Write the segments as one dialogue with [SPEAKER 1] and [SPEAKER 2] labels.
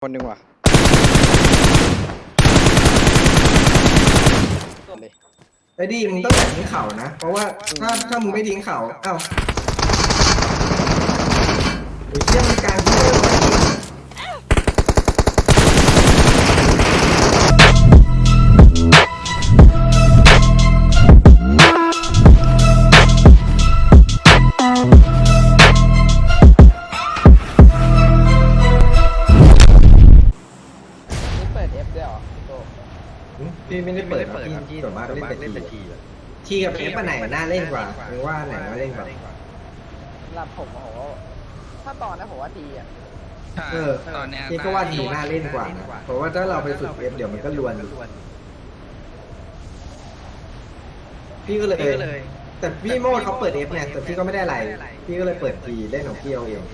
[SPEAKER 1] คนหนึ่งว่ะ
[SPEAKER 2] ไอ้ดิมึงต้องแบบทิ้งเข่านะเพราะว่าถ้ามึงไม่ทิ้งเข่าเอ้าไอ้เชี่ยมันกลางที่เลยวะพี่ไม่ได้เปิดครับพี่ส่วนมากเล่นแต่ทีกับเอฟอันไหนน่าเล่นกว่าหรือว่าไหนน่าเล่นกว่า
[SPEAKER 3] สำหรับผมโอ้โหถ้าตอนนั้นผมว่าดีอ่ะ
[SPEAKER 2] ตอนนี้ก็ว่าทีน่าเล่นกว่านะเพราะว่าถ้าเราไปฝึกเอฟเดี๋ยวมันก็ลวนพี่ก็เลยแต่พี่โมดเขาเปิดเอฟเนี่ยแต่พี่ก็ไม่ได้อะไรพี่ก็เลยเปิดทีเล่นของพี่เอาเอง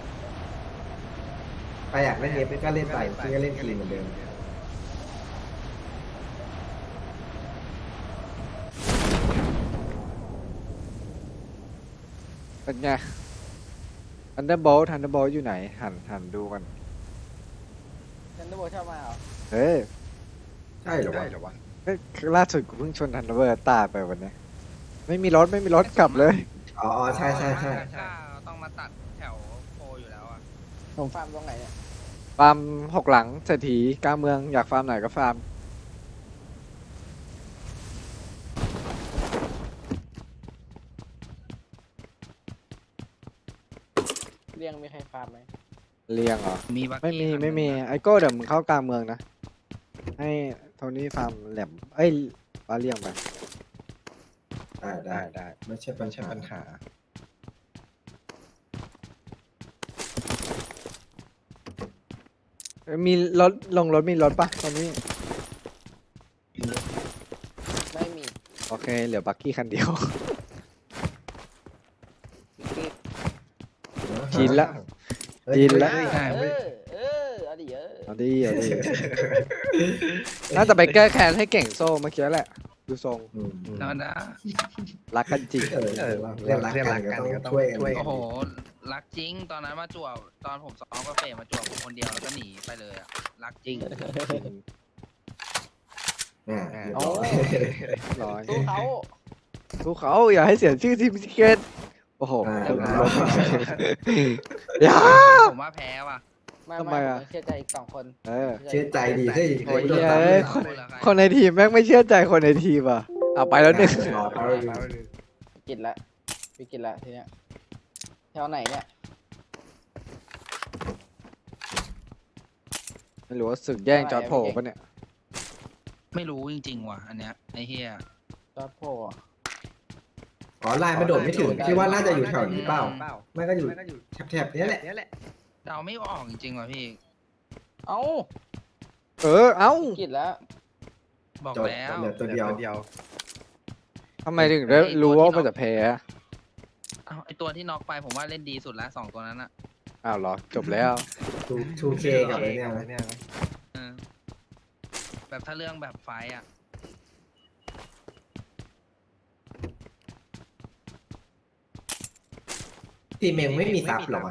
[SPEAKER 2] ไปอยากเล่นเอฟก็เล่นไปพี่ก็เล่นทีเหมือนเดิม
[SPEAKER 1] เป็นไงThunderboltอยู่ไหนหันดูกัน
[SPEAKER 3] ทันเดอร์โบชอบมาเหรอ
[SPEAKER 1] เฮ้ย
[SPEAKER 2] ใช่หรอวะ
[SPEAKER 1] ล่าสุดกูเพิ่งชนThunderbirdตายไปวันนี้ไม่มีรถกลับเลย
[SPEAKER 2] อ๋อใช่
[SPEAKER 4] ต้องมาตัดแถวโพอยู่แล้วอ่ะ
[SPEAKER 3] ผมฟาร์มตรงไหนเนี่ย
[SPEAKER 1] ฟาร์ม6 หลังเศรษฐีกลางเมืองอยากฟาร์มไหนก็ฟาร์ม
[SPEAKER 3] เรียงมีใครฟาร์มไหม
[SPEAKER 1] เรียงเหรอไม่มีไอโก้เดี๋ยวมึงเข้ากลางเมืองนะให้โทนี่ฟาร์มแหลมปลาเรียงไป
[SPEAKER 2] ได้ไม่ใช่ปัญหา
[SPEAKER 1] มีรถมีรถปะตอนนี้
[SPEAKER 3] ไม่มี
[SPEAKER 1] โอเคเหลือบักกี้คันเดียวชินละเอาดีน่าจะไปแก้แค้นให้เก่งโซ่เมื่อกี้แหละดูทรง
[SPEAKER 4] นะ
[SPEAKER 1] รักกันจริง
[SPEAKER 2] เรียกรักกันก็ต้องช่วย
[SPEAKER 4] โอ้โหรักจริงตอนนั้นมาจวบตอนผมซ้อมก็เฟมาจวบผมคนเดียวแล้วก็หนีไปเลยอ่ะรักจริง
[SPEAKER 1] โอ้ร้อย
[SPEAKER 3] สู้
[SPEAKER 1] เขาอย่าให้เสียชื่อทีมซิกเก็ตโอ้โหอย่า
[SPEAKER 4] ผมว่าแพ้ว่ะ
[SPEAKER 3] ทำไมอ่ะเชื่อใจอีก2 คน
[SPEAKER 2] เชื่อใจดีเฮ้ย
[SPEAKER 1] คนในทีมแม่งไม่เชื่อใจคนในทีมอ่ะเอาไปแล้ว1
[SPEAKER 3] กินละพี่กินละทีเนี้ยแถวไหนเนี่ย
[SPEAKER 1] ไม่รู้ว่าศึกแย่งจอร์จโผล่ปะเนี่ย
[SPEAKER 4] ไม่รู้จริงๆว่ะอันเนี้ยไอ้เฮีย
[SPEAKER 3] จอร์จโผล่
[SPEAKER 2] ไลน์มาโดดไม่ถึงคิดว่าน่าจะอยู่แถวนี้เปล่าไม่ก็อยู่แถบนี้แหละ
[SPEAKER 4] เดาไม่ออกจริงๆว่ะพี่
[SPEAKER 3] เอ้า
[SPEAKER 1] กิ
[SPEAKER 3] นแล้ว
[SPEAKER 4] บอกแล้ว
[SPEAKER 2] เหลือตัวเดียว
[SPEAKER 1] ทำไมถึงได้รู้ว่ามันจะแพ้
[SPEAKER 4] ไอตัวที่น็อกไปผมว่าเล่นดีสุดแล้ว2 ตัวนั้นอ่ะ
[SPEAKER 1] อ้าวเหรอจบแล้ว
[SPEAKER 2] 2K กับอะไรเนี่ย
[SPEAKER 4] แบบถ้าเรื่องแบบไฟอ่ะ
[SPEAKER 2] ทีมเองไม่มีซับหรอ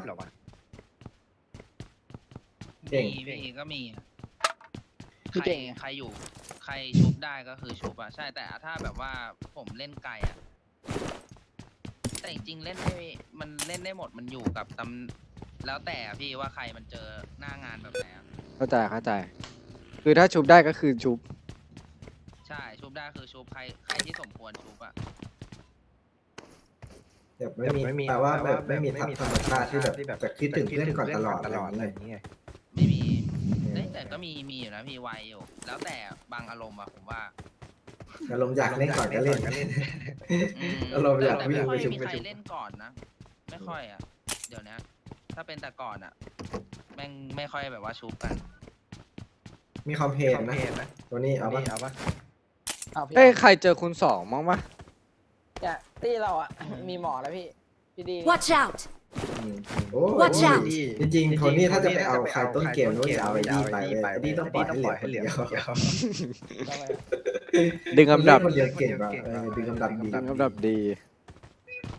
[SPEAKER 4] มีก็มีใครอยู่ใครชุบได้ก็คือชุบอ่ะใช่แต่ถ้าแบบว่าผมเล่นไกลอ่ะแต่จริงๆเล่นได้มันเล่นได้หมดมันอยู่กับแล้วแต่พี่ว่าใครมันเจอหน้างานแบบไหน
[SPEAKER 1] เข้าใจคือถ้าชุบได้ก็คือชุบ
[SPEAKER 4] ใช่ชุบได้คือชุบใครที่สมควรชุบอ่ะ
[SPEAKER 2] แบบไม่มีแต่ว่าแบบไม่มีธรรมชาติที่แบบจะคิดถึงเพื่อนก่อนตลอดอะไรอย่างเงี้ย
[SPEAKER 4] ไม่มีแต่ก็มีอยู่นะพี่ไวอยู่แล้วแต่บางอารมณ์อะผมว่า
[SPEAKER 2] อารมณ์อยากเล่นก่อนก็เล่นอารมณ์อยากวิ่งไปชุบ
[SPEAKER 4] ไม่มีใครเล่นก่อนนะไม่ค่อยอ่ะเดี๋ยวนี้ถ้าเป็นแต่ก่อนอ่ะแม่งไม่ค่อยแบบว่าชุบกัน
[SPEAKER 2] มีคอมเพลนนะตัวนี้เอาปะ
[SPEAKER 1] เฮ้ยใครเจอคุณ2มั้งปะ
[SPEAKER 3] เนี่ยตีเราอ่ะมีหมอแล้วพี่ดี
[SPEAKER 5] Watch out
[SPEAKER 2] Watch out จริงๆโทนี่ถ้าจะไปเอาใครต้นเกมนู้นจะเอาไอ้ดีไปไอ้ดีต้องปล่อยให้เหลือ
[SPEAKER 1] ดึงอันดับ
[SPEAKER 2] คนเดียวเก่งป่ะดึงอัน
[SPEAKER 1] ดับดี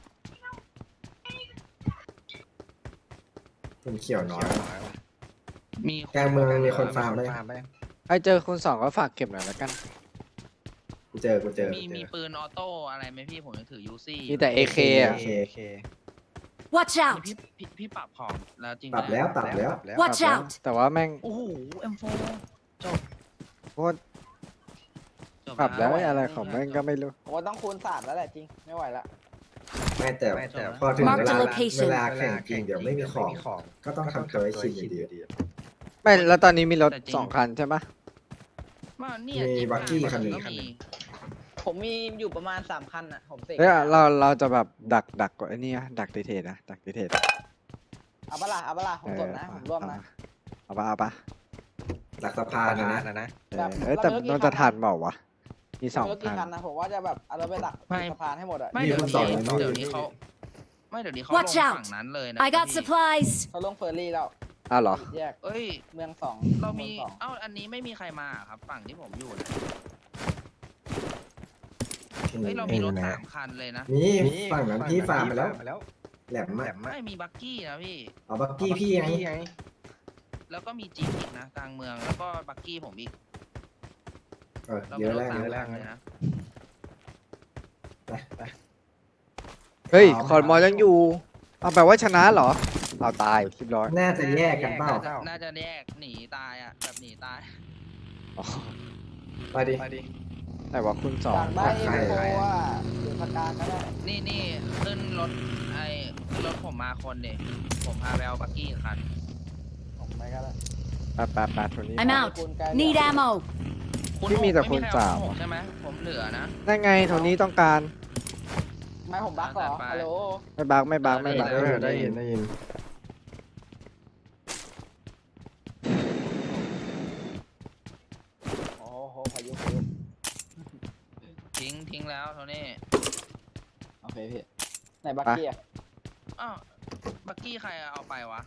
[SPEAKER 2] คนเขียวน้อย
[SPEAKER 4] มี
[SPEAKER 2] กลางเมืองมีคนฟาร์มไหม
[SPEAKER 1] ใครเจอคุณสองก็ฝากเก็บหน่อยแล้วกัน
[SPEAKER 2] กูเจอ
[SPEAKER 4] มีปืนออโต้อะไรไหมพี่ผมยังถือยูซี่
[SPEAKER 1] มีแต่ AK อ่ะ
[SPEAKER 5] Watch
[SPEAKER 4] นี่
[SPEAKER 5] out!
[SPEAKER 4] พี่ปรับของแล้วจริง
[SPEAKER 2] ปรับแล้ว
[SPEAKER 5] Watch out!
[SPEAKER 1] แต่ว่าแม่ง
[SPEAKER 4] โอ้โห M4 จบ
[SPEAKER 1] โคตรปรับแล้วอะไรของแม่งก็ไม่รู้
[SPEAKER 3] ผมว่าต้องคูณ3แล้วแหละจริงไม่ไหวละ
[SPEAKER 2] ไม่แต่พอถึง
[SPEAKER 5] Mark
[SPEAKER 2] เว
[SPEAKER 5] the
[SPEAKER 2] ลา
[SPEAKER 5] location
[SPEAKER 2] เวลาแข่งจริงเดี๋ยวไม่มีของ ก็ต้องทำตัวให้ชินอยู่ดี
[SPEAKER 1] ไม่แล้วตอนนี้มีรถ2 คันใช่ปะ
[SPEAKER 4] ว่าเนี่ย
[SPEAKER 2] มี
[SPEAKER 4] จิ๊
[SPEAKER 2] บัคกี้คันหนึ่ง
[SPEAKER 4] ก็มี
[SPEAKER 3] ผมมีอยู่ประมาณ3คันอ่ะผมเสก
[SPEAKER 1] เฮ้ยเราจะแบบดักกว่าไอ้นี่อะดักดีเทสนะดักดีเทส
[SPEAKER 3] เอาปะล่ะผมสดนะผมร่วมนะ
[SPEAKER 1] เอาปะ
[SPEAKER 2] หลักสะพานนะ
[SPEAKER 1] แต่มันจะทันเปล่าวะมี
[SPEAKER 3] ไม่รู้
[SPEAKER 1] 2
[SPEAKER 3] กี่
[SPEAKER 1] คัน
[SPEAKER 3] คันนะผมว่าจะแบบเอารถไปดักสะพานให้หมดอ่ะ
[SPEAKER 4] ไม่
[SPEAKER 2] มี
[SPEAKER 4] เดี๋ยว
[SPEAKER 2] คนต่อ
[SPEAKER 4] นี้
[SPEAKER 2] อยู่
[SPEAKER 4] เดี๋ยวนี้เขาไม่เดี๋ยวนี้เขาลง
[SPEAKER 5] Watch out
[SPEAKER 4] ฝั่งนั้นเลยนะ
[SPEAKER 5] I got
[SPEAKER 4] พี่
[SPEAKER 5] supplies!
[SPEAKER 3] เขาลงเฟอร์รี่แล้ว
[SPEAKER 1] อ้าวเหรอ
[SPEAKER 3] แยก
[SPEAKER 4] เอ้ย
[SPEAKER 3] เมือง2
[SPEAKER 4] เรามี
[SPEAKER 3] สอง
[SPEAKER 4] เอ้าอันนี้ไม่มีใครมาครับ ฝั่งที่ผมอยู่นะเฮ้ยเรามีรถ3 คันเลยนะ
[SPEAKER 2] มีฝั่งนั้นพี่ฟาร์มไปแล้ว แหลมมาก
[SPEAKER 4] ไม่มีบักกี้นะพี่
[SPEAKER 2] เอาบักกี้พี่ไง
[SPEAKER 4] แล้วก็มีจี๊ปอีกนะกลางเมืองแล้วก็บักกี้ผมอีก เรา
[SPEAKER 2] เย
[SPEAKER 4] มี
[SPEAKER 2] อะ
[SPEAKER 4] รถ
[SPEAKER 2] แล้ว
[SPEAKER 4] 3 คันเลยนะ
[SPEAKER 2] ไป
[SPEAKER 1] เฮ้ยคอนมอยังอยู่เอาแปลว่าชนะเหรอเอาตายคลิปร้อย
[SPEAKER 2] น่าจะแยกกันเปล่า
[SPEAKER 4] น่าจะแยกหนีตายอ่ะแบบหนีตาย
[SPEAKER 1] อ๋อ
[SPEAKER 2] ไปดิ
[SPEAKER 1] แต่ว่าคุณ2
[SPEAKER 3] อยากได้
[SPEAKER 2] ใคร
[SPEAKER 3] เอ็มโฟอ่ะหรือพากการก็ได้
[SPEAKER 4] นี่ขึ้นรถขึ้นรถผมมาคนเดียผมพาไปเอาบักกี้อีกคัน
[SPEAKER 3] ผมไม่ก็ได้
[SPEAKER 1] แปดตัวนี้
[SPEAKER 5] I'm out. Need ammo.
[SPEAKER 1] พี่มีแต่คูณ
[SPEAKER 4] ไใร
[SPEAKER 1] สาม
[SPEAKER 4] เอ6ใช่ไหมผมเหลือนะ
[SPEAKER 1] นั่นไงโทนี้ต้องการ
[SPEAKER 3] ไม่ผมบักเหรอฮัลโหล
[SPEAKER 1] ไม่บัก
[SPEAKER 2] ได้ยิน
[SPEAKER 3] โอ้โหพายุ
[SPEAKER 4] ทิ้งแล้วโทนี่
[SPEAKER 3] โอเคพี่ไหนบักกี้อ่ะ
[SPEAKER 4] อ้าวบักกี้ใครเอาไปวะ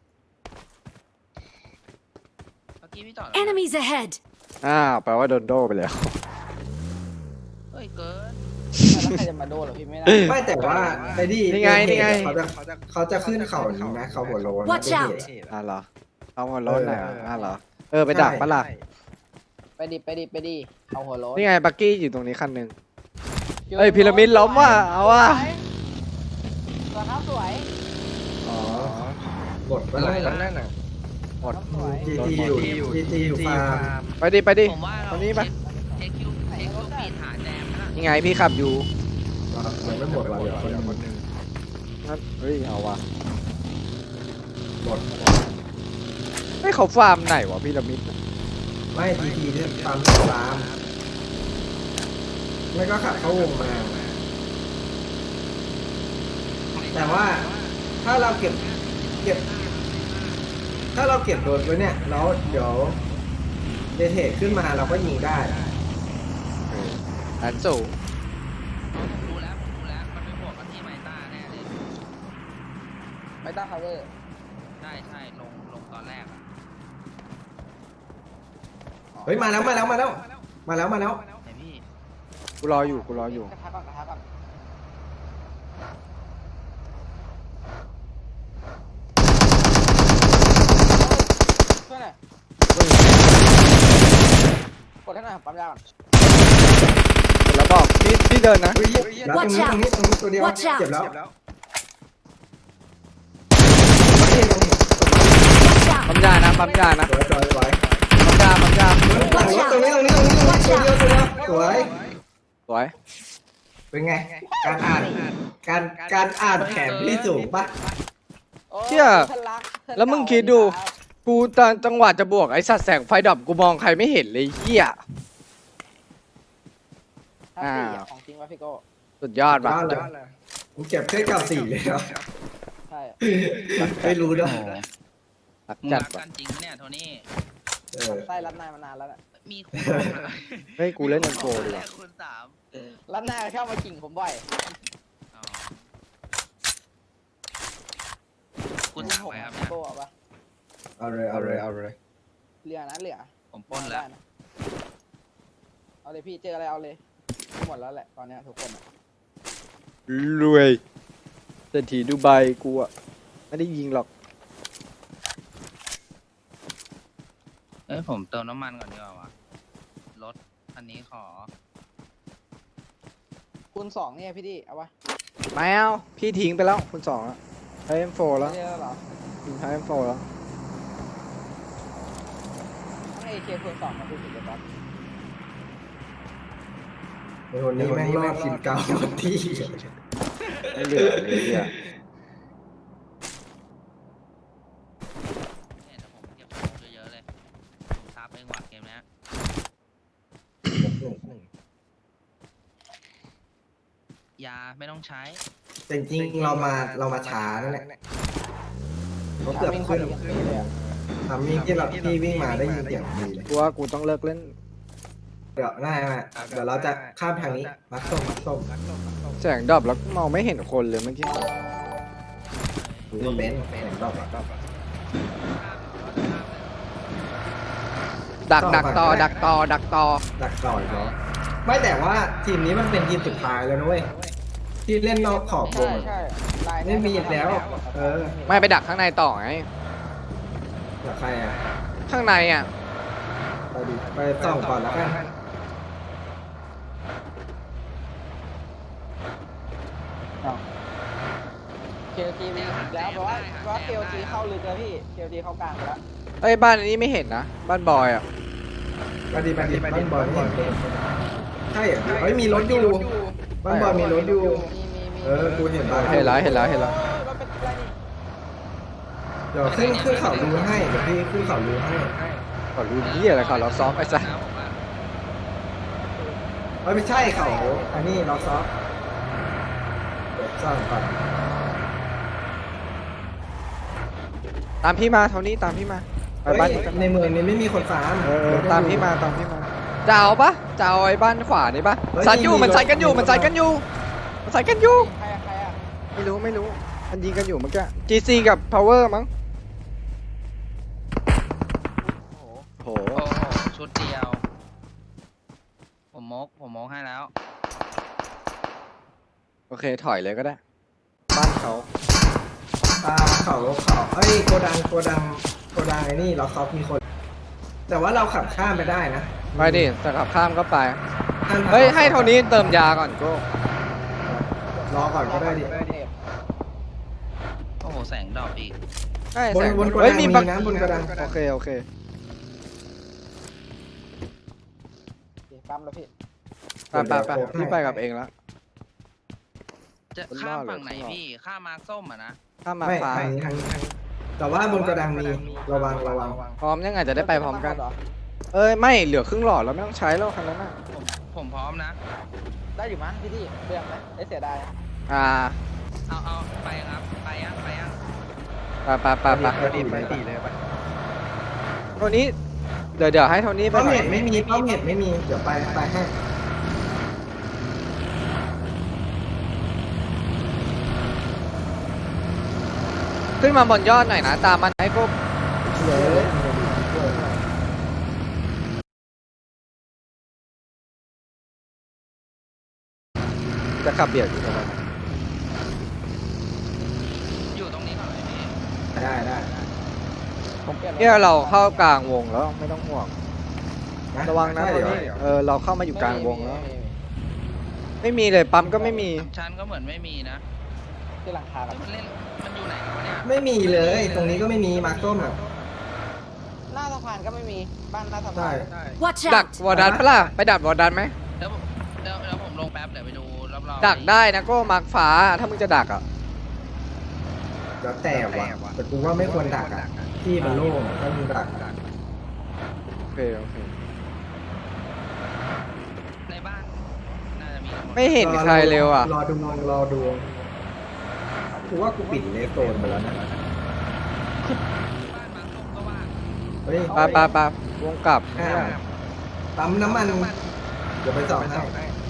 [SPEAKER 4] บักกี้พี่ต่อแล้วนะ
[SPEAKER 5] Enemies ahead!
[SPEAKER 1] อ้าวแปลว่าโดนโดไปแล้ว
[SPEAKER 4] เฮ้ยเกิน
[SPEAKER 3] แล้วใครจะมาโดนเหรอพี่ไม่น่า
[SPEAKER 2] ไม่แต่ว่าไอ้นี่
[SPEAKER 1] นี่ไง
[SPEAKER 2] เขาจะขึ้นเขานี้นะเขาหัวโลน
[SPEAKER 5] Watch out
[SPEAKER 1] เหรอเอาหัวรถหน่อยเหรอไปดักปะล่ะ
[SPEAKER 3] ไปดิเอาหัวโล้น
[SPEAKER 1] นี่ไงบักกี้อยู่ตรงนี้คันหนึ่งเอ้ยพีระมิดล้มว่ะเอาว่ะ
[SPEAKER 3] ตัวเท้าสวย
[SPEAKER 2] อ๋อหมดเมื่อไหร่แล้วนั่นน่ะ
[SPEAKER 1] หมด
[SPEAKER 3] สวย
[SPEAKER 2] GT อยู่ฟาร์ม
[SPEAKER 1] ไปดิ
[SPEAKER 4] ผมว่าเรา
[SPEAKER 1] ตรงนี้ปะ
[SPEAKER 4] เทคคิวปีดหาแจมนะ
[SPEAKER 1] นี่ไงพี่ขับอยู่
[SPEAKER 2] ยังไม่หมดว่ะเดี๋ยวคนหนึ่ง
[SPEAKER 1] นั่นเฮ้ยเอาว่ะ
[SPEAKER 2] หมด
[SPEAKER 1] ไม่เขาฟาร์มไหนวะพีระมิด
[SPEAKER 2] ไม่ GT ที่ฟาร์มไม่ก็ขับเข้าวงมา แต่ว่าถ้าเราเก็บ ถ้าเราเก็บโดนไว้เนี่ยแล้วเดี๋ยวเดเทคขึ้นมาเราก็ยิงได้
[SPEAKER 1] อันสูง
[SPEAKER 4] ผมรู้แล้วมันไปบวกกันที่ไมต้าแน่เลย
[SPEAKER 3] ไม่ต้อง cover
[SPEAKER 4] ใช่ลงตอนแรกอะ
[SPEAKER 2] เฮ้ยมาแล้ว
[SPEAKER 4] ไหนพี่
[SPEAKER 1] กูรออยู่
[SPEAKER 3] กระทะก่อนช่วยหน่อยกดให้หน่อยปั๊มยาก่อน
[SPEAKER 1] แล้วบอกพี่เดินนะ
[SPEAKER 2] แล้วตรงนี้ตัวเดียว
[SPEAKER 5] Watch out
[SPEAKER 2] เจ็บแล้ว
[SPEAKER 5] Watch out!
[SPEAKER 1] ปั๊มยานะ
[SPEAKER 2] สวย
[SPEAKER 1] ปั๊มยา
[SPEAKER 2] ตรงนี้ตัวเดียวสวย
[SPEAKER 1] สวย
[SPEAKER 2] เป็นไง การอ่านแผนพี่สูงปะ
[SPEAKER 3] โอ้
[SPEAKER 1] เชี่ย
[SPEAKER 3] เพื่อนรักเพื่อน
[SPEAKER 1] แล้วมึงคิดดู กูตอนจังหวะจะบวกไอ้สัตว์แสงไฟดับกูมองใครไม่เห็นเลยเหี้ย
[SPEAKER 3] ถ้าสี่อะของจริงวะพี่โก้
[SPEAKER 1] สุดยอดว่ะ
[SPEAKER 2] ผมเก็บแค่94เลยครับ
[SPEAKER 3] ใช่
[SPEAKER 2] ไม่รู้ด้วย
[SPEAKER 1] รัก
[SPEAKER 4] มึง
[SPEAKER 1] จัด
[SPEAKER 4] รัก
[SPEAKER 1] ว่ะ
[SPEAKER 4] กันจริงเนี่ยโทนี่
[SPEAKER 3] ไส้รัดนายมานานแล้วแหละ
[SPEAKER 4] มีคุณ
[SPEAKER 1] เฮ้ยกูเล่นยังโกดีกว่า
[SPEAKER 4] คุณ3
[SPEAKER 3] รัดนายเข้ามากิ่งผมบ่อย
[SPEAKER 4] อ๋อคุณ3ไปครับ
[SPEAKER 3] พี่
[SPEAKER 4] เนี่ย
[SPEAKER 3] โก้เอาปะ
[SPEAKER 2] เอาเลย
[SPEAKER 3] เหลือนะเหลือ
[SPEAKER 4] ผมปล้นแล้ว
[SPEAKER 3] ได้ะเอาเลยพี่เจออะไรเอาเลยหมดแล้วแหละตอนเนี้ยทุกคนอะ
[SPEAKER 1] รวยเศรษฐีดูไบกูอะไม่ได้ยิงหรอก
[SPEAKER 4] เอ้ยผมเติมน้ำมันก่อนดีกว่าวะรถอันนี้ขอ
[SPEAKER 3] คูณสองเนี่ยพี่ดิเอาวะ
[SPEAKER 1] ไม่เอาพี่ทิ้งไปแล้วคุณสองแล้วใช้ M4 แล้ว
[SPEAKER 3] ไม่ได้แล้วเหรอ
[SPEAKER 1] ใช้ M4 แล้ว
[SPEAKER 3] ทั้งเอเคคูณสองมาดูสิเดี๋ยวก่อน
[SPEAKER 2] ในคนนี้แม่งรอดทีมเก่าหมดที่
[SPEAKER 1] ไม่เหลือเลยเนี่ย
[SPEAKER 4] เนี่ยเดี๋ยวผมเก็บของเยอะๆเลยผมซับเองว่ะเกมเนี้ยยาไม่ต้องใช้
[SPEAKER 2] แต่จริงๆเรามาช้านั่นแหละเขาเกือบ
[SPEAKER 3] วิ่ง
[SPEAKER 2] ขึ้น
[SPEAKER 3] เข้าดีเลยอะ
[SPEAKER 2] ทำที่ที่วิ่งมาได้ยินเสียงดีเลย
[SPEAKER 1] กูว่ากูต้องเลิกเล่น
[SPEAKER 2] เดี๋ยวง่ายมากเดี๋ยวเราจะข้ามทางนี้มัดส้ม
[SPEAKER 1] แสงดับแล้วมองไม่เห็นคนเลยเมื่อกี้
[SPEAKER 2] ดูว่าเบนซ์เห็นรอบ
[SPEAKER 1] ดักต่อดักต่อ
[SPEAKER 2] ดักต่อยเนาะไม่แต่ว่าทีมนี้มันเป็นทีมสุดท้ายแล้วนะเว้ยที่เล่นนอกขอบว
[SPEAKER 3] ใช่
[SPEAKER 2] ง
[SPEAKER 3] ใช่ลาย
[SPEAKER 2] ไม่มีอีกแล้ว
[SPEAKER 1] ไม่ไปดักข้างในต่อไง
[SPEAKER 2] กับใครอ่ะ
[SPEAKER 1] ข้างในอ่ะ
[SPEAKER 2] ไปดิไปส่องก่อนแล้วกัน
[SPEAKER 3] เคลจีวิ่งอีกแล้วเพราะว่าเคลจีเข้าลึกแล้วพี่เคลจีเข้ากลางไปแล้ว
[SPEAKER 1] เอ้ยบ้านนี้ไม่เห็นนะบ้านบอยอ่ะ
[SPEAKER 2] ไปดิบ้านบอลไม่เห็นใช่เหรอเฮ้ยมีรถอยู่บ้านบอลมีรถอยู่
[SPEAKER 3] มี
[SPEAKER 2] กูเห็นบ้าน
[SPEAKER 1] เห็นแล้ว
[SPEAKER 3] รถเป็นอะไรนี่
[SPEAKER 2] เดี๋ยวขึ้นเขาดูให้เดี๋ยวพี่ขึ้นเขาดูให้
[SPEAKER 1] ขอรู้ที่อะไรขอเราซ้อมไอ้สัส
[SPEAKER 2] ไม่ใช่เขาอันนี้ล็อกซอฟเดี๋ยวสร้างก่อน
[SPEAKER 1] ตามพี่มาเท่านี้ตามพี่มาไปบ้านนี้กัน
[SPEAKER 2] ในเมืองนี้ไม่มีคนฟาร์ม
[SPEAKER 1] ตามพี่มาจะเอาปะจะเอาไอ้บ้านขวานี่ปะสัตว์อยู่มันใส่กันอยู่มันใส่กันอยู่
[SPEAKER 3] ใครอะ
[SPEAKER 1] ไม่รู้มันยิงกันอยู่เมื่อกี้ GC กับ Power มั้ง
[SPEAKER 3] โอ้โห
[SPEAKER 1] โห
[SPEAKER 4] โอ้โหชุดเดียว ผมมกให้แล้ว
[SPEAKER 1] โอเคถอยเลยก็ได้ บ้านเขา
[SPEAKER 2] เขาเอ้ยโกดังไอ้นี่ล็อกซอฟมีคน แต่ว่าเราขับข้ามไปได้นะ
[SPEAKER 1] ไปดิจะขับข้ามก็ไปเฮ้ยให้เท่านี้เติมยาก่อนก็
[SPEAKER 2] รอก่อนก็ได้ดิ
[SPEAKER 4] โอ้โหแสงดอกอีก
[SPEAKER 1] ให้
[SPEAKER 2] บน
[SPEAKER 1] แสง
[SPEAKER 2] บนโก
[SPEAKER 1] เฮ้
[SPEAKER 2] ดั
[SPEAKER 1] ย
[SPEAKER 2] ง
[SPEAKER 1] มี
[SPEAKER 2] มี
[SPEAKER 1] บัก
[SPEAKER 2] นะบนโกดัง
[SPEAKER 1] โอเค
[SPEAKER 3] โอเคปั๊มแล้วพี่
[SPEAKER 1] ไปพี่ไปกับเองแล้ว
[SPEAKER 4] จะ
[SPEAKER 1] บน
[SPEAKER 4] ข้าม
[SPEAKER 1] บ้านเหรอ
[SPEAKER 4] ฝั่งไหนพี่ ข้ามมาร์คส้มอ่ะนะ
[SPEAKER 1] ข้ามมา
[SPEAKER 2] ไม่
[SPEAKER 1] ฟ้า
[SPEAKER 2] ทางนี้แต่ว่าบนโกดังมีระวัง
[SPEAKER 1] พร้อมยังไงจะได้ไปพร้อมกัน เอ้ยไม่เหลือครึ่งหลอดแล้วไม่ต้องใช้แล้วคันนั้นน่ะ
[SPEAKER 4] ผมพร้อมนะ
[SPEAKER 3] ได้อยู่มั้งพี่ดิเปลืองไหมได้เสียดาย
[SPEAKER 4] เอาไปครับไปยัง
[SPEAKER 1] ไป
[SPEAKER 2] ไปตีเลย
[SPEAKER 1] เท่านี้เดี๋ยวให้เท่านี้ไป
[SPEAKER 2] ป้อม
[SPEAKER 1] หน่อ
[SPEAKER 2] เห็
[SPEAKER 1] ย
[SPEAKER 2] ดไม่มีเดี๋ยวไปให้
[SPEAKER 1] ขึ้นมาบนยอดหน่อยนะตามมันไอ้พวกจะขับเบียดอยู่ตรงนั้น
[SPEAKER 4] อยู่ตรงนี้ก่อนเลยพี่
[SPEAKER 2] ได้
[SPEAKER 1] เนี่ยเราเข้ากลางวงแล้วไม่ต้องห่วงระวังนะตอนนี้เราเข้ามาอยู่กลางวงแล้ว ไม่มีเลยปั๊มก็ไม่มี
[SPEAKER 4] ชั้นก็เหมือนไม่มีนะ
[SPEAKER 3] ที่หลังคา
[SPEAKER 4] เฮ้ยมันอยู่ไหนกันวะเนี่ย
[SPEAKER 2] ไม่มีเลย ตรงนี้ก็ไม่มีมาร์คส้มอ่ะ
[SPEAKER 3] หน้าสะพานก็ไม่มีบ้านหน้าสะพาน
[SPEAKER 2] ใช่
[SPEAKER 5] Watch
[SPEAKER 1] ดัก
[SPEAKER 5] out!
[SPEAKER 1] วอร์ดันปะล่ะไปดักวอร์ดันไหม
[SPEAKER 4] เดี๋ยวผมลงแป๊บเดี๋ยวไปดูรอบๆ
[SPEAKER 1] ดักได้นะก็มาร์คฟ้าถ้ามึงจะดักอ่ะ
[SPEAKER 2] แล้วแต่ว่ะแต่กูว่าไม่ควรดักอ่ะที่มันโล่งถ้ามึงดัก
[SPEAKER 1] โอเค
[SPEAKER 4] ในบ้านน่าจะมีทั้งหมด
[SPEAKER 1] ไม่เห็นใครเร็วอ่ะ
[SPEAKER 2] รอดูกูว่ากูปิดเลฟโซนไปแล้วนะ
[SPEAKER 4] บ้านมาร์คส้มก็ว่าง
[SPEAKER 2] เฮ้ย
[SPEAKER 1] ไปวงกลับ
[SPEAKER 2] ปั๊มน้ำมันเดี๋ยวไปสอบให้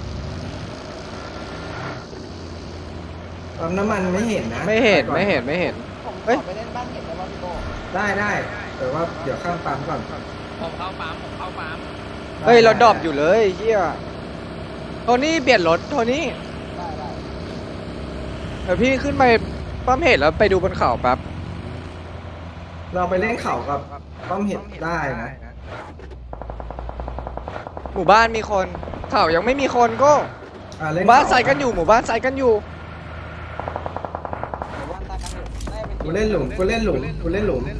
[SPEAKER 2] ปั๊มน้ำมันไม่เห็นนะ
[SPEAKER 1] ไม่เห็น
[SPEAKER 3] ผม
[SPEAKER 1] เฮ้ย
[SPEAKER 3] ขอไปเล่นบ้านเห็นได้ป่ะพี่โบ
[SPEAKER 2] ได้แต่ว่าเดี๋ยวข้ามปั๊มก่อน
[SPEAKER 4] ผมเข้าปั๊ม
[SPEAKER 1] เฮ้ยเราดรอปอยู่เลยเฮียโทนี่เปลี่ยนรถโทนี่
[SPEAKER 3] ได้
[SPEAKER 1] เดี๋ยวพี่ขึ้นไปปั๊มเห็ดแล้วไปดูบนเขาแป๊บ
[SPEAKER 2] เราไปเล่นเข่ากับปั๊มเห็ดได้นะ
[SPEAKER 1] หมู่บ้านมีคนเขายังไม่มีคนก็ห
[SPEAKER 2] เล่น
[SPEAKER 1] มู่บ้านใส่กันอยู่หมู่บ้านใส่กันอยู่
[SPEAKER 3] หมู่บ้านตากันอยู่น่าจะเป็น
[SPEAKER 2] กูเล่นหลุมกูเล่นหลุมกูเล่นหลุม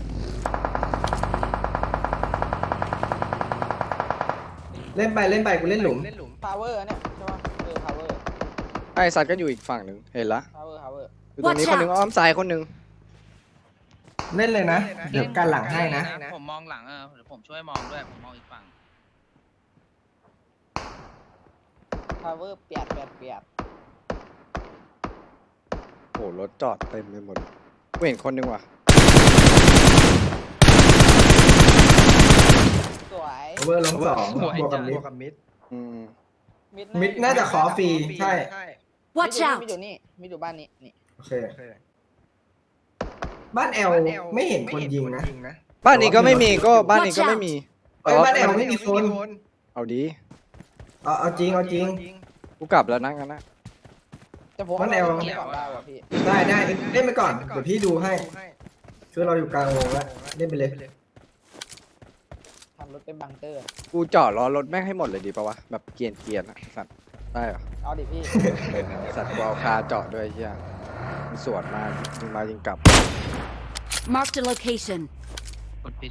[SPEAKER 2] เล่นไปเล่นไปกูเล่นหลุม
[SPEAKER 3] พาวเวอร์เนี่ยใช่ปะพาวเวอร์
[SPEAKER 1] ไอ้สัตว์กันอยู่อีกฝั่งหนึ่งเห็นละ
[SPEAKER 3] พาวเวอร์
[SPEAKER 1] อยู่ตรงนี้
[SPEAKER 5] Watch
[SPEAKER 1] คนหนึ่ง
[SPEAKER 5] out
[SPEAKER 1] อ้อมซ้ายคนหนึ่ง
[SPEAKER 2] เล่นเลยนะเดี๋ยวการหลังให้นะ
[SPEAKER 4] ผมมองหลังเดี๋ยวผมช่วยมองด้วยผมมองอีกฝั่ง
[SPEAKER 3] พาวเวอร์เปียด
[SPEAKER 1] โอ้รถจอดเต็มไปหมดกูเห็นคนหนึ่งว่ะ
[SPEAKER 3] สวย
[SPEAKER 2] เวอร์ลงสองบวกกับมิด
[SPEAKER 1] อืม
[SPEAKER 2] มิดน่าจะขอฟรีใช่
[SPEAKER 5] Watch
[SPEAKER 3] มิด
[SPEAKER 5] out!
[SPEAKER 3] อยู่นี่มิดอยู่บ้านนี้นี่
[SPEAKER 2] โอเคบ้านแอลไม่เห็นคนยิงนะ
[SPEAKER 1] บ้านนี้ก็ไม่มีก็บ้านนี้ก็ไม่มี
[SPEAKER 2] เอ้ยบ้านแอลไม่มีคน
[SPEAKER 1] เอาดี
[SPEAKER 2] เอาจริงเอาจริง
[SPEAKER 1] กูกลับแล้วนะงั้นนะ
[SPEAKER 3] จะผม
[SPEAKER 2] บ้านแอล
[SPEAKER 3] ก่อนได้ว่ะพี่
[SPEAKER 2] ได้เล่นไปก่อนเดี๋ยวพี่ดูให้คือเราอยู่กลางวงแล้วเล่นไปเลย
[SPEAKER 3] ทำรถเป็นบังเกอร์
[SPEAKER 1] กูจอดรอรถแม่งให้หมดเลยดีปะวะแบบเกรียนอะสัตว์ได้เหรอ
[SPEAKER 3] เอาดิพี่
[SPEAKER 1] สัตว์กูเอาคาจอดด้วยไอ้เฮียมันสวนมายิงมายิงกลับ
[SPEAKER 5] Marked a location.
[SPEAKER 4] กดปิด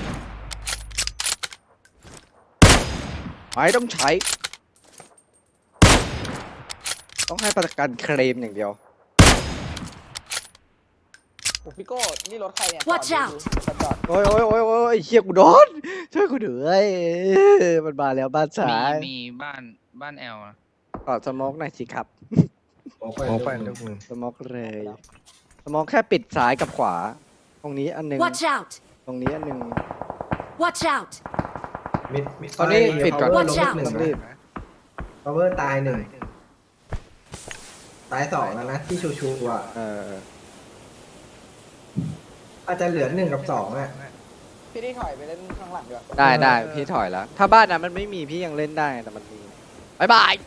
[SPEAKER 1] ไม่ต้องใช้ ต้องให้ประกันเคลมอย่างเดียว
[SPEAKER 3] โอ้พี่โก้นี่รถใครเนี่ย
[SPEAKER 5] Watch
[SPEAKER 3] จอด
[SPEAKER 5] out
[SPEAKER 3] จอด
[SPEAKER 1] โอ้ยไอ้เฮียกูโดนช่วยกูด้วยมันมาแล้วบ้านซ้าย
[SPEAKER 4] มีบ้านแอลนะ
[SPEAKER 1] กอดสโมกหน่อยสิครับ
[SPEAKER 2] โอ้ไปลูกมือ
[SPEAKER 1] สโมกเลยสโมกแค่ปิดซ้ายกับขวา ตรงนี้อันหนึง
[SPEAKER 5] Watch out!
[SPEAKER 1] ตรงนี้อันหนึง
[SPEAKER 5] Watch out!
[SPEAKER 2] มิด
[SPEAKER 1] ตอนนี้ปิดก่อน
[SPEAKER 2] power
[SPEAKER 5] Watch
[SPEAKER 2] ล
[SPEAKER 5] out
[SPEAKER 2] บหนึ่
[SPEAKER 1] ต้อง
[SPEAKER 2] ง
[SPEAKER 1] รีบ
[SPEAKER 2] power ตายหนึ่งตายสองแล้วนะที่ชูอ่ะ
[SPEAKER 1] เออ
[SPEAKER 2] อาจจะเหลือ1 กับ 2อ่ะ
[SPEAKER 3] พี่ที่ถอยไปเล่นข้างหลังดีกว่า
[SPEAKER 1] ได้พี่ถอยแล้ว ถ้าบ้านนั้นมันไม่มีพี่ยังเล่นได้แต่มันมีบายบาย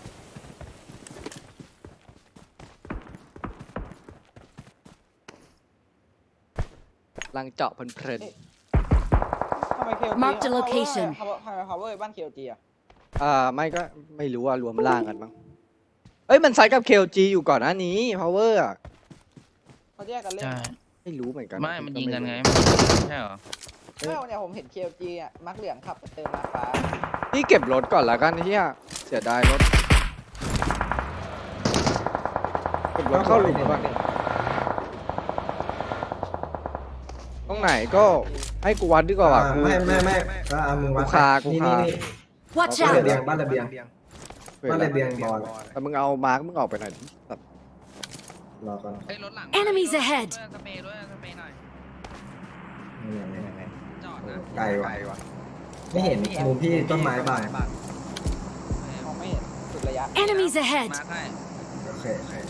[SPEAKER 1] ลังเจาะเพลิน
[SPEAKER 3] ทำไมเคล
[SPEAKER 5] Mark the location
[SPEAKER 3] ทำไมพาวเวอร์บ้านเคลจีอะ
[SPEAKER 1] ๆไม่ก็ไม่รู้ว่ารวมล่างกันมั้งเอ้ยมันไซด์กับ KLG อยู่ก่อนหน้านี้ power อะ
[SPEAKER 3] เขาแยกกันเล่น
[SPEAKER 4] ใช่
[SPEAKER 1] ไม่รู้เหมือนกัน
[SPEAKER 4] ไม่มันยิงกันไงใช่เหรอ
[SPEAKER 3] ไม่วันเนี้ยผมเห็นเคลจีอะมักเหลืองขับไปเติมมาฟ้า
[SPEAKER 1] พี่เก็บรถก่อนละกันเฮียเสียดายรถเก็บรถเข้าหลุมก่อนตรงไหนก็ให้กูวัดดีกว่าว่ะกู
[SPEAKER 2] ไม่ก็เอามือวัด
[SPEAKER 1] กูคา
[SPEAKER 2] นี่
[SPEAKER 5] Watch
[SPEAKER 2] บ้าน
[SPEAKER 5] out!
[SPEAKER 2] ระเบียงบ้านระเบียงบ้านระเบียงบอล
[SPEAKER 1] แต่มึงเอามาร์กมึงออกไปหน่อยดิสัตว์
[SPEAKER 2] รอก่อน
[SPEAKER 4] เฮ้ยรถหลัง
[SPEAKER 5] Enemies ahead
[SPEAKER 4] สเปรย์ด้วยสเปรย์หน่อย
[SPEAKER 2] นี่
[SPEAKER 4] จอดนะ
[SPEAKER 2] ไกลว่ะไม่เห็นมุมพี่ต้นไม้บาง
[SPEAKER 3] มองไม่เห็นสุดระยะ
[SPEAKER 5] Enemies ahead!
[SPEAKER 4] มาให้
[SPEAKER 2] โอเค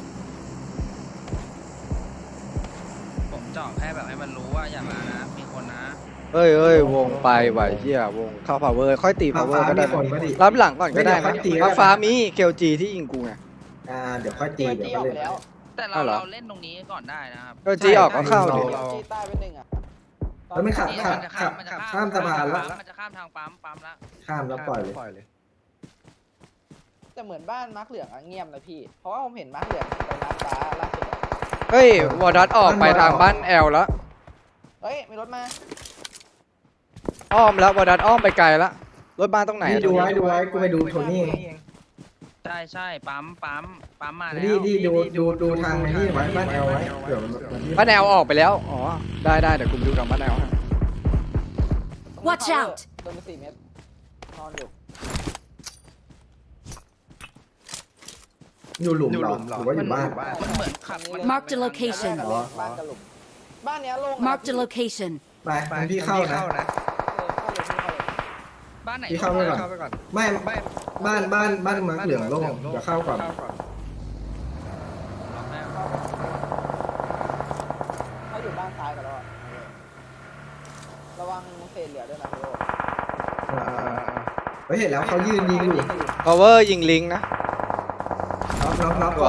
[SPEAKER 4] ผมจอดแค่แบบให้มันรู้ว่าอย่ามานะมีคนนะ
[SPEAKER 1] เอ้ยวงไปว่ะเฮียวงเข้า power ค่อยตี power ก็ได้
[SPEAKER 2] มีคนก็ดี
[SPEAKER 1] รับหลังก่อนก็ได้
[SPEAKER 2] ไม่
[SPEAKER 1] นะ
[SPEAKER 2] เดี๋ยวค่อยตีก็ได้
[SPEAKER 1] ฟ้ามี KLG ที่ยิงกูไง
[SPEAKER 2] เดี๋ยวค่อยตี
[SPEAKER 3] เคล
[SPEAKER 2] เดี๋ยว
[SPEAKER 3] จีอ
[SPEAKER 2] ก็
[SPEAKER 3] อก
[SPEAKER 2] เล่น
[SPEAKER 3] ไปแล้ว
[SPEAKER 4] แต่เรา
[SPEAKER 1] อ้าวเหรอ
[SPEAKER 4] เล่นตรงนี้ก่อนได้นะครับ
[SPEAKER 1] KLG ออกก็เข้าดิ
[SPEAKER 2] เรา
[SPEAKER 3] เคลจีใต้เป็นหนึ่งอะ
[SPEAKER 2] แล้วไม่ขับ
[SPEAKER 4] นี่มันจะ
[SPEAKER 2] ข้ามสะพานแล้ว
[SPEAKER 4] มันจะข้ามทางปั๊มละ
[SPEAKER 2] ข้ามแล้วปล่อยเลย
[SPEAKER 3] แต่เหมือนบ้านมักเหลืองอะเงียบเลยพี่ เพราะว่าผมเห็นมักเหลืองไปมาฟ้าล่าสุดอะ
[SPEAKER 1] เฮ้ยวอร์ดัตออกไปทางบ้านแอลแล้ว
[SPEAKER 3] เฮ้ยมีรถมา
[SPEAKER 1] อ้อมแล้ววอร์ดัตอ้อมไปไกลแล้วรถบ้านตรงไหน
[SPEAKER 2] นี่
[SPEAKER 1] อะ
[SPEAKER 2] ดูไว้กูไปดูโทนี่
[SPEAKER 4] ใช่ปั๊มมาแล้ว
[SPEAKER 2] นี่ดูทางนี่ไว้บ้านแอลไว้เดี๋ยวมัน
[SPEAKER 1] บ้านแอลออกไปแล้วอ๋อได้เดี๋ยวกูไปดูทางบ้านแอลให้
[SPEAKER 5] Watch out
[SPEAKER 3] โดนไป4 เมตรนอนอยู่
[SPEAKER 2] อยู่หลุมเหรอหรือว่าอยู่บ้าน
[SPEAKER 4] มันเหมือนขับ
[SPEAKER 5] Mark the location
[SPEAKER 3] บ้านกับหลุมบ้านเนี้ยโล่งนะ
[SPEAKER 5] Marked a location.
[SPEAKER 2] ไปพี่เข้านะ
[SPEAKER 3] เข้าเลย
[SPEAKER 4] บ้านไหน
[SPEAKER 2] พี่เข้าไปก่อนไม่บ้านมาเหลืองโล่งเดี๋ยวเข้าก่อน
[SPEAKER 3] เขาอยู่บ้านซ้ายกันแล้วอะระวังเศษเหลือด้วยนะพี่โอ
[SPEAKER 2] เฮ้ยเห็นแล้วเขายืนยิงอยู่
[SPEAKER 1] power ยิงลิงนะ
[SPEAKER 2] น็อก
[SPEAKER 1] สวย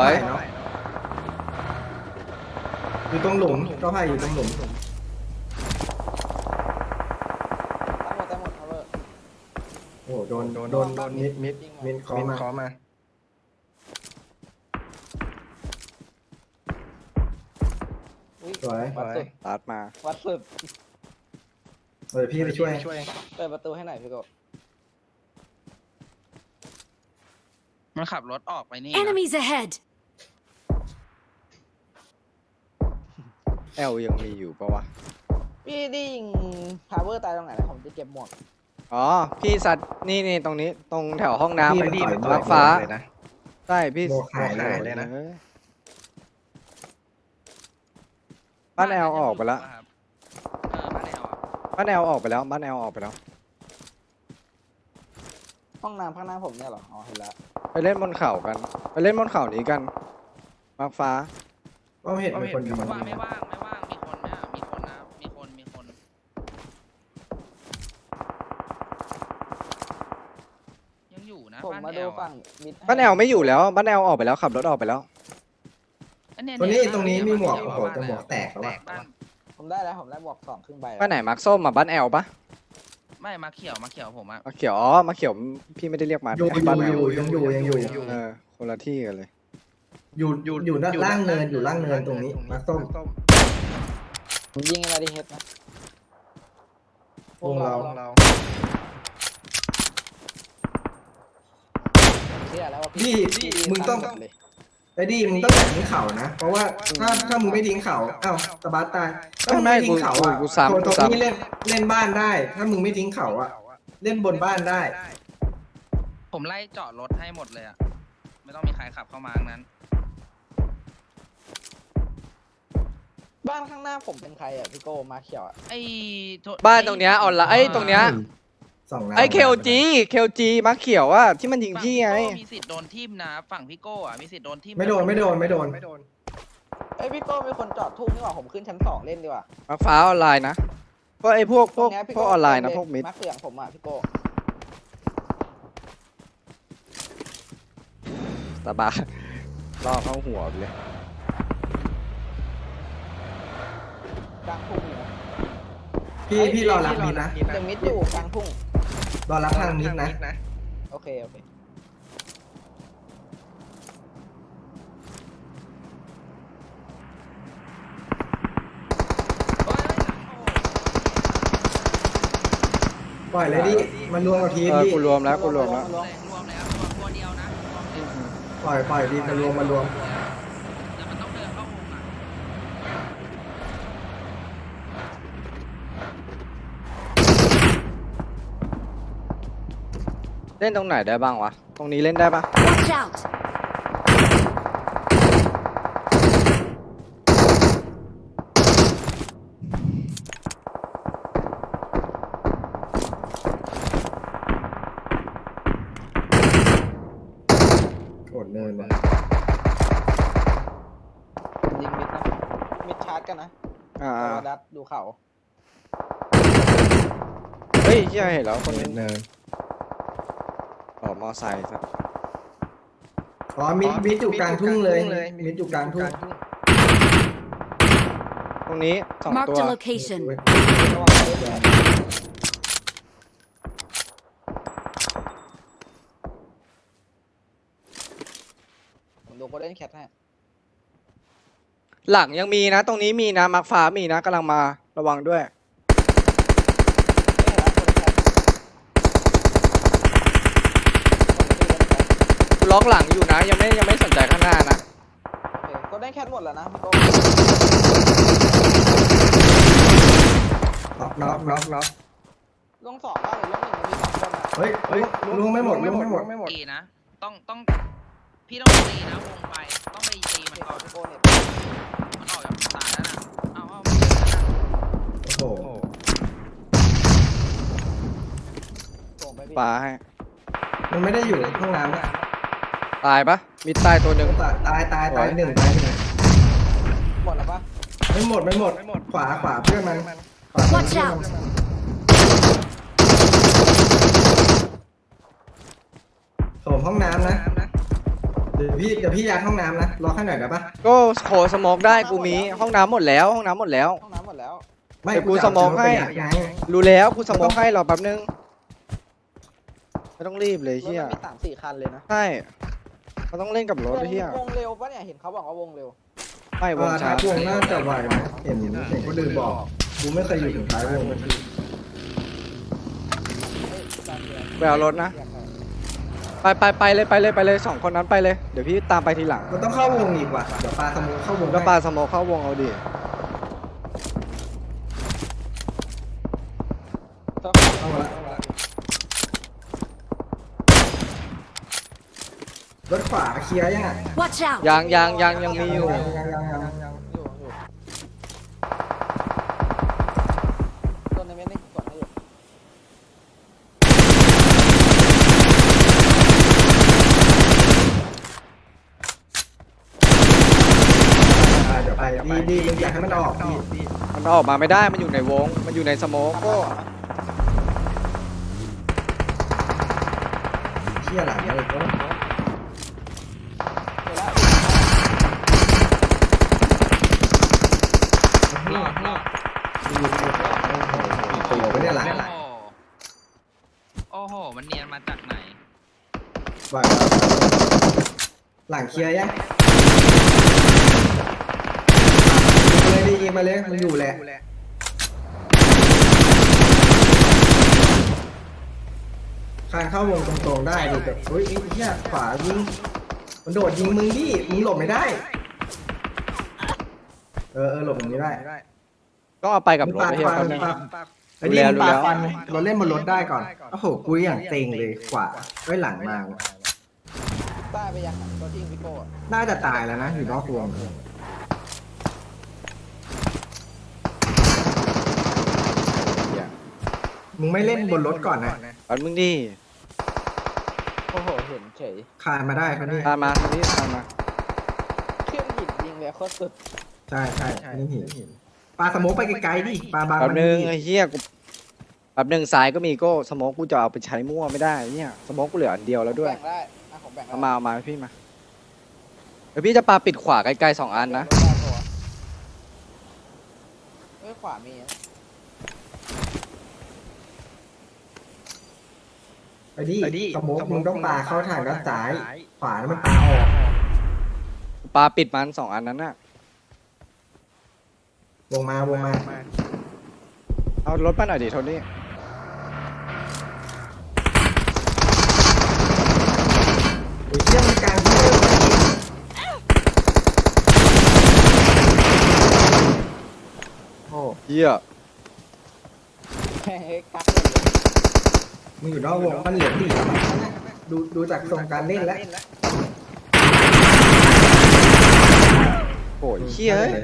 [SPEAKER 2] อยู่ตรงหลุมก็ให้อยู่ตรงหลุม
[SPEAKER 3] ตั้งหมดแต่
[SPEAKER 2] โอ้โหโดนมิดคอมา
[SPEAKER 3] อุ๊ย
[SPEAKER 2] สวย
[SPEAKER 3] วัดสุด
[SPEAKER 1] ตัดมา
[SPEAKER 3] วัดสุด
[SPEAKER 2] เดี๋ยวพี่ไปช่วย
[SPEAKER 3] เปิดประตูให้หน่อยพี่โก
[SPEAKER 4] มันขับรถออกไปนี่นะ
[SPEAKER 5] Enemies ahead!
[SPEAKER 1] แอลยังมีอยู่ปะวะ
[SPEAKER 3] พี่ได้ยิงพาวเวอร์ตายตรงไหนนะผมจะเก็บหมวก
[SPEAKER 1] อ๋อพี่สัตว์นี่ตรงนี้ตรงแถวห้องน้ำ
[SPEAKER 2] พี่มันต่อย
[SPEAKER 1] รักฟ้า
[SPEAKER 2] เลยนะ
[SPEAKER 1] ใช่พี่
[SPEAKER 2] โมหายเลยนะ
[SPEAKER 1] ออบ้านแอลออกไปแล้ว
[SPEAKER 4] ครับบ้านแอลอะ
[SPEAKER 1] บ้านแอลออกไปแล้วบ้านแอลออกไปแล้ว
[SPEAKER 3] ห้องน้ำข้างหน้าผมเนี่ยเหรออ๋อเห็นแล้ว
[SPEAKER 1] ไปเล่นบนเขากัน ไปเล่นบนเขานี้กันมักฟ้า
[SPEAKER 2] ว่าเห็นเป็นคนยิง
[SPEAKER 4] ว่างไม่ว่างมีคนเนี่ยมีคนนะมีคนยังอยู่นะ
[SPEAKER 3] ผมมา
[SPEAKER 4] บ้านแอ
[SPEAKER 3] ดู
[SPEAKER 4] ล
[SPEAKER 3] ฝั่
[SPEAKER 4] อะ
[SPEAKER 3] งมิดให้
[SPEAKER 1] บ้านแอลไม่อยู่แล้วบ้านแอลออกไปแล้วขับรถออกไปแล้ว
[SPEAKER 4] อัเย
[SPEAKER 2] ตรงนี้มีหมวก
[SPEAKER 4] เย
[SPEAKER 2] โอ้โหแต่หมวกแตกแล้ว
[SPEAKER 4] แต
[SPEAKER 2] อะ
[SPEAKER 4] กบ้าน
[SPEAKER 3] ผมได้แล้วผมได้หมวก2ครึ่งใบแล้ว
[SPEAKER 1] บ้านไหนมาร์คส้มอ่ะบ้านแอลปะ
[SPEAKER 4] ไม่มาเขียวผมอะ
[SPEAKER 1] มาเขียวอ๋อมาเขียวพี่ไม่ได้เรียกมา
[SPEAKER 2] อยู่
[SPEAKER 1] บ้านแอล
[SPEAKER 2] ยังอยู่
[SPEAKER 1] เออคนละที่กันเลย
[SPEAKER 2] อยู่ล่างเนินอยู่ล่างเนินตรงนี้มาส้ม
[SPEAKER 3] ผมยิงไอ้มาดิเฮดนะ
[SPEAKER 2] วงเรา
[SPEAKER 3] เชื่อแล้วว่า
[SPEAKER 2] พี่
[SPEAKER 3] พี่
[SPEAKER 2] มึงต้อง
[SPEAKER 3] ตั้หมดเลย
[SPEAKER 2] ไอ้ดิมึงต้องอย่าทิ้งเข่านะ เพราะว่าถ้ามึงไม่ทิ้งเข่าอ้าวตะบัสตายถ้ามึงไม่ทิ้งเข่าอ่ะ
[SPEAKER 1] กูซ้ำ
[SPEAKER 2] ตรงนี้เล่นบ้านได้ ถ้ามึงไม่ทิ้งเข่าอ่ะ เล่นบนบ้านได้
[SPEAKER 4] ผมไล่จอดรถให้หมดเลยอะไม่ต้องมีใครขับเข้ามาทั้งนั้น
[SPEAKER 3] บ้านข้างหน้าผมเป็นใครอ่ะพี่โกมาเขียวอ่ะ
[SPEAKER 4] ไอ้โท
[SPEAKER 1] บ้านตรงเนี้ยออนไลน์ไอ้ตรงเนี้ย
[SPEAKER 2] สองนัด
[SPEAKER 1] ไอ้เคลจีมาร์คเขียวอ่ะที่มันยิงพี่ไง
[SPEAKER 4] ฝั่พี่โก้มีสิทธิ์โดนทิ่มนะฝั่งพี่โก้อะมีสิทธิ์โดนทิ่ม
[SPEAKER 2] ไม่โดน
[SPEAKER 3] เอ้ยพี่โกมีคนจอดทุ่งนี่หว่าผมขึ้นชั้น2เล่นดีกว่า
[SPEAKER 1] มาร์คฟ้าออนไลน์นะเพราะไอ้พวก
[SPEAKER 3] ตรงเนี้ยพี่
[SPEAKER 1] พวกออนไลน์นะพวกมิด
[SPEAKER 3] มาเขื่องผมอ่ะพี่โก
[SPEAKER 1] ตาบาล่อเข้าหัวไปเลย
[SPEAKER 3] กลางทุ่งเลยนะ
[SPEAKER 2] พี่รอรับมิดนะ
[SPEAKER 3] ยังมิดอยู่กลางทุ่ง
[SPEAKER 2] รอรับทางมิดนะ
[SPEAKER 3] โอเคโอเค
[SPEAKER 4] เฮ้ย
[SPEAKER 2] ปล่อยเลยดิมันรวมกับทีม
[SPEAKER 1] เออ
[SPEAKER 2] ดิ
[SPEAKER 1] กูรวมแล้วกูรวมแล้ว
[SPEAKER 4] รวมแล้วรวมตัวเดียวนะรวมเดียว
[SPEAKER 2] ปล่อยดิมันรวม
[SPEAKER 4] แต่มันต้องเดินเข้าวงอะ
[SPEAKER 1] เล่นตรงไหนได้บ้างวะตรงนี้เล่นได้ปะ
[SPEAKER 5] Watch out!
[SPEAKER 2] โอดเนินนะ
[SPEAKER 3] ยิงมิดนะมิดชาร์จกันนะ
[SPEAKER 1] อ่า
[SPEAKER 3] เอาดัดดูเขา
[SPEAKER 1] เฮ้ยเชี่ยเห็นแล้วคนนึง
[SPEAKER 2] เนิน
[SPEAKER 1] ต่อมอไซค์ซะ
[SPEAKER 2] อ๋อมิดอยู่กลางทุ่งเลยมิดอยู่กลางทุ่ง
[SPEAKER 1] ตรงนี้2
[SPEAKER 5] Marked
[SPEAKER 1] ตัว
[SPEAKER 5] a location.
[SPEAKER 3] ระวังเยอะเลยผมดูโคเดนแคทให้
[SPEAKER 1] หลังยังมีนะ ตรงนี้มีนะมาร์คฟ้ามีนะกำลังมาระวังด้วย
[SPEAKER 3] ไม่เห็นแล้วโคเดนแคท
[SPEAKER 1] กูล็อกหลังอยู่นะยังไม่สนใจข้างหน้านะ
[SPEAKER 3] โคเดนแคทหมดแล้วนะพี่โก
[SPEAKER 2] น็อก
[SPEAKER 3] ลง2บ้านหรือลง1มันมี2คนอ่ะ
[SPEAKER 2] เฮ้ยลุงไม่หมด
[SPEAKER 4] ตีนะต้องพี่ต้องตีนะวงไปต้องไปตีมันก่อน
[SPEAKER 3] พี่โกเนี่ย
[SPEAKER 4] มันออกจากตายแล้วนะเอาไม่เจอแล้วนะ
[SPEAKER 2] โอ้โห
[SPEAKER 3] ส่งไปพี่
[SPEAKER 1] ปาให้
[SPEAKER 2] มันไม่ได้อยู่ห้องน้ำนะ
[SPEAKER 1] ตายปะมีตายตัวหนึ่ง
[SPEAKER 2] ตายหนึ่ง
[SPEAKER 3] หมดแล้วปะ
[SPEAKER 2] ไม่หมดขวาเพื่อนมันขวา
[SPEAKER 5] Watch out!
[SPEAKER 2] โถมห้องน้ำนะเดี๋ยวพี่ยัดห้องน้ำนะรอแค่หน่อยได้ปะ
[SPEAKER 1] ก็โคสโมกได้กูมีห้องน้ำหมดแล้วห้องน้ำหมดแล้ว
[SPEAKER 3] ห้องน้ำหมดแล้ว
[SPEAKER 2] ไม่
[SPEAKER 1] เดี๋ยวกูสโมกให้
[SPEAKER 2] ไง
[SPEAKER 1] รู้แล้วกูสโมกให้รอแป๊บนึงไม่ต้องรีบเลย
[SPEAKER 3] รถ
[SPEAKER 1] เฮีย
[SPEAKER 3] มันมี3-4 คันเลยนะ
[SPEAKER 1] ใช่เขาต้องเล่นกับรถเฮียว
[SPEAKER 3] งเร็วปะเนี่ยเห็นเขาบอกว่าวงเร็ว
[SPEAKER 1] ไม่วง
[SPEAKER 2] ท้า
[SPEAKER 1] ช้าย
[SPEAKER 2] วงน่าจะไหวนะเห็นคนอื่นบอกกูไม่เคยอยู่ถึงท้ายวง
[SPEAKER 3] เฮ้ยจานเดียว
[SPEAKER 1] ไปเอารถนะ ไปเลยสองคนนั้นไปเลยเดี๋ยวพี่ตามไปทีหลัง
[SPEAKER 2] มันต้องเข้าวงอีกว่ะเดี๋ยวปลาสมุนเข้าวง
[SPEAKER 1] ก็ปาสโมกเข้าวงเอาดิ
[SPEAKER 2] เข้ามาละรถขวาเคลียร์ยัง
[SPEAKER 5] Watch out!
[SPEAKER 1] ยังมีอยู่
[SPEAKER 2] ยัง
[SPEAKER 3] อยู่ตัวในเม็ดนี่กดให้อยู่
[SPEAKER 2] เดี๋ยวไปดีมึงอยากให้มันออกดี
[SPEAKER 1] มันออกมาไม่ได้มันอยู่ในวงมันอยู่ในสโมกก็
[SPEAKER 2] เชี่ยหลังเลยก็
[SPEAKER 3] เดี๋ยวแล้ว
[SPEAKER 4] รอด
[SPEAKER 2] โอ้โหไม่ได้หลัง
[SPEAKER 4] โอ้โหมันเนียนมาจากไหน
[SPEAKER 2] บ่อยหลังเคลียร์ยังเลยดีมาเลยมันอยู่แหละคานเข้าวงตรงๆได้ดิแบบเฮ้ยไอ้เหี้ยขวายิงมันโดดยิงมึงดิมึงหลบไม่ได้หลบอย่างนี้ได้
[SPEAKER 1] ต้องเอาไปกับรถไอ้เฮียคนนึง
[SPEAKER 2] ไอ้นี่
[SPEAKER 1] รู้
[SPEAKER 2] ปา
[SPEAKER 1] แล้ว
[SPEAKER 2] ฟันเราเล่นบนรถได้ก่อนโอ้โหกูอย่างเต็งเลยขวาไว้หลังมา
[SPEAKER 3] ต้าไปยังตัวที่พี่โก้อะ
[SPEAKER 2] น่าจะตายแล้วนะอยู่นอกวงมึงไม่เล่นบนรถก่อนนะ
[SPEAKER 1] อันมึงดิ
[SPEAKER 3] โอ้โหเห็นเฉย
[SPEAKER 2] คานมาได้คนนี้
[SPEAKER 1] ตามมาทางนี้ตามมา
[SPEAKER 3] ขึ้นหินยิงเลยโคตรสุด
[SPEAKER 2] ใช่นี่หินปลาสโมกไปไกลๆดิปลาบาง
[SPEAKER 1] แป๊บนึง
[SPEAKER 2] ดิ
[SPEAKER 1] ไอ้เฮียกูแป๊บนึงซ้ายก็มีโก้สโมกกูจะเอาไปใช้มั่วไม่ได้เนี่ยสโมกกูเหลืออันเดียวแล้วด้วย
[SPEAKER 3] แบ่งได้อ่ะผมแบ่งได้
[SPEAKER 1] เอามาพี่มาเดี๋ยวพี่จะปาปิดขวาไกลๆ2 อันนะ
[SPEAKER 3] เอ้ยขวามีอะ
[SPEAKER 2] ไปดิสโมกมึงต้องปลาเข้าทางด้านซ้ายขวาแล้วมันปลาออก
[SPEAKER 1] ปาปิดมัน2 อันนั้นน่ะ
[SPEAKER 2] วงมา
[SPEAKER 1] เอารถมาหน่อยดิโทนี่
[SPEAKER 2] โอ้ยเชี่ยมันกลางที่เลย
[SPEAKER 1] โอ้เฮีย
[SPEAKER 3] แม่งเอ้ยกักเลย
[SPEAKER 2] มึงอยู่นอกวงมันเหลือตีดูจากทรงการเล่นแล้ว
[SPEAKER 1] โอ้ยเฮียเอ้ย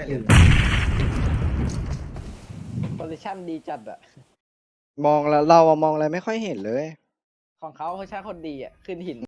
[SPEAKER 3] โพซิชั่นดีจัดอะ
[SPEAKER 1] มองแล้วเราอะมองอะไรไม่ค่อยเห็นเลย
[SPEAKER 3] ของเขาเขาใช้คนดีอะขึ้นหิน